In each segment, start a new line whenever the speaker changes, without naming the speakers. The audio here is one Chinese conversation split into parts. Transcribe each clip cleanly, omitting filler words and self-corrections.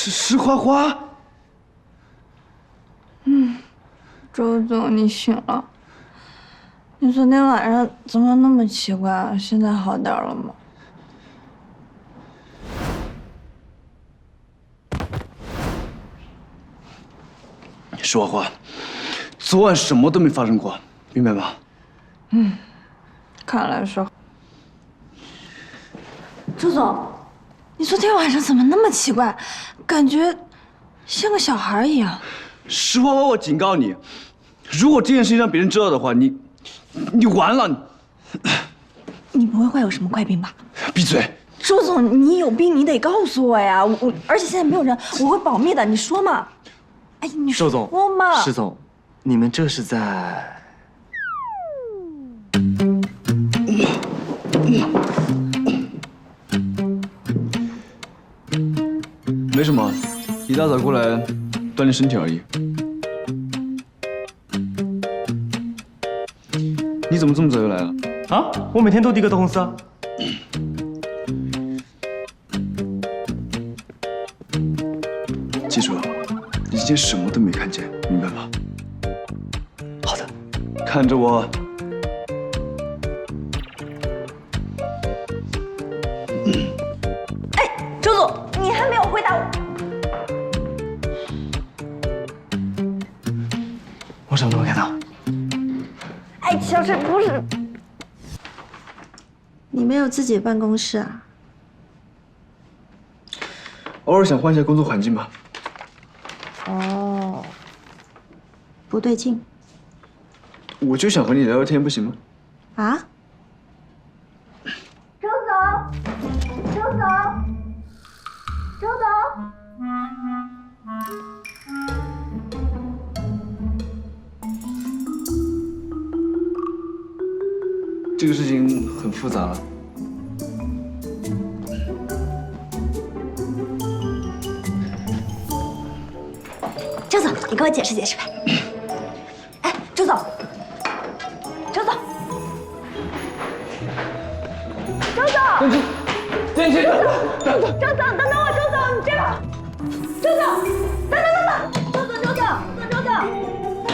石花花。
周总，你醒了。你昨天晚上怎么那么奇怪啊？现在好点了吗？
石花花，昨晚什么都没发生过，明白吗？
看来是。周总，你昨天晚上怎么那么奇怪？感觉像个小孩一样。
石花花，我警告你，如果这件事情让别人知道的话，你完了。
你不会患有什么怪病吧？
闭嘴！
周总，你有病你得告诉我呀！而且现在没有人，我会保密的。你说嘛？哎，你说
周总
嘛？
石总，你们这是在？
没什么，一大早过来锻炼身体而已。你怎么这么早就来了？
啊，我每天都第一个到公司啊。
记住，你今天什么都没看见，明白吗？
好的。
看着我。
周总，你还没有回答我。
我什么都没看到。
哎，小沈，不是。
你没有自己的办公室啊？
偶尔想换一下工作环境吧。
哦，不对劲
我就想和你聊聊天，不行吗？
啊？
周总，周总，周总。
这个事情很复杂了。
周总，你给我解释解释呗。哎，周总，周总，周总，
电梯，
周总，等等我，周总，你这样，周总，等，周总，周总。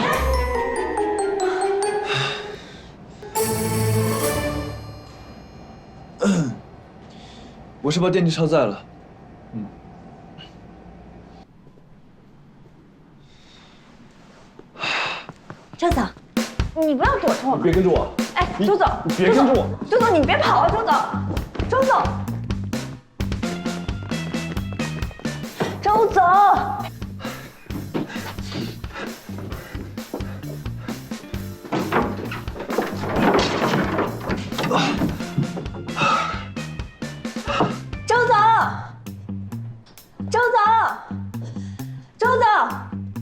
我是把电梯超载了。
周总，你不要躲着我嘛。
别跟着我。
哎，周总，
你别跟着我。
周总，你别跑啊，周总，周总，周总。周总，周总，周总，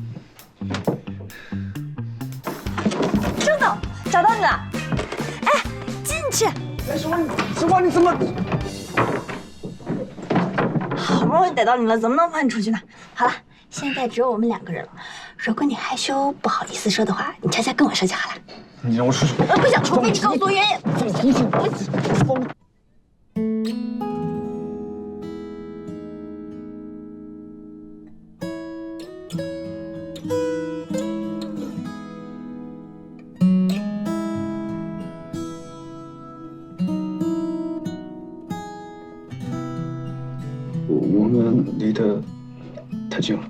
周总，找到你了。哎，进去。
哎，石花，你怎么？
好不容易逮到你了，怎么能放你出去呢？好了，现在只有我们2个人了。如果你害羞不好意思说的话，你悄悄跟我说就好了。
你让我出去。
不想，除非你告诉我原因。
我们离得太近了。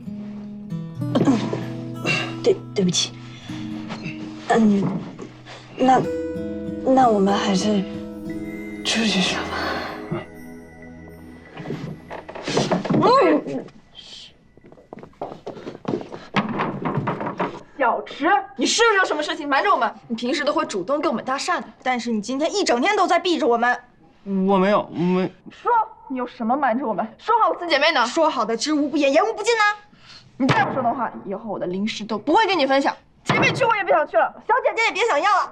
对不起。那我们还是出去说吧。
小池，你是不是有什么事情瞒着我们？你平时都会主动跟我们搭讪的，但是你今天一整天都在避着我们。
我没有，
说你有什么瞒着我们？说好4姐妹呢？说好的知无不言，言无不尽呢？你再不说的话，以后我的零食都不会跟你分享，即便去我也不想去了，小姐姐也别想要了。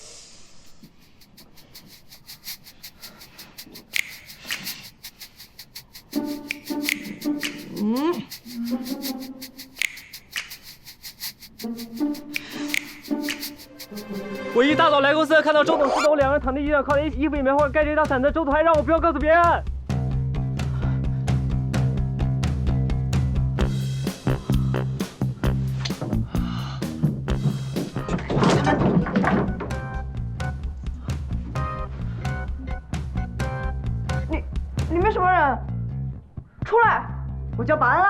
我一大早来公司，看到周董、石董2人躺在地上，靠在一起，衣服也没换，盖着一大伞的。周董还让我不要告诉别人。
我叫保安了。